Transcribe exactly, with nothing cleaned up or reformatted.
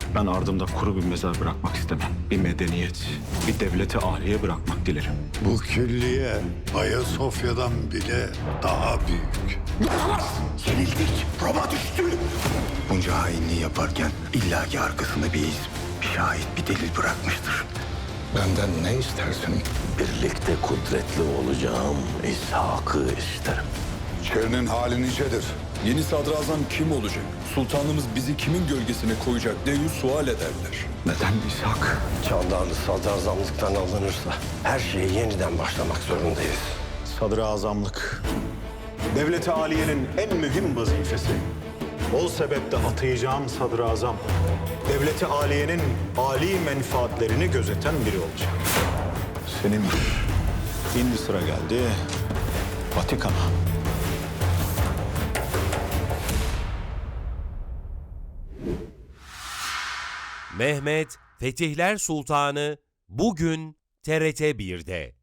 Ben ardımda kuru bir mezar bırakmak istemem. Bir medeniyet, bir devleti âliye bırakmak dilerim. Bu külliye Ayasofya'dan bile daha büyük. Yenildik. Roma düştü. Bunca hainliği yaparken illaki arkasında bir iz, bir şahit, bir delil bırakmıştır. Benden ne istersin? Birlikte kudretli olacağım İshak'ı isterim. Şerinin hali nicedir. Yeni sadrazam kim olacak? Sultanımız bizi kimin gölgesine koyacak diye sual ederler. Neden İshak? Çağdan sadrazamlıktan alınırsa her şeye yeniden başlamak zorundayız. Sadrazamlık, devlet-i aliyenin en mühim vazifesi. O sebeple atayacağım sadrazam, devlet-i aliyenin âli menfaatlerini gözeten biri olacak. Senin şimdi sıra geldi Vatikan'a. Mehmet Fetihler Sultanı bugün T R T bir'de.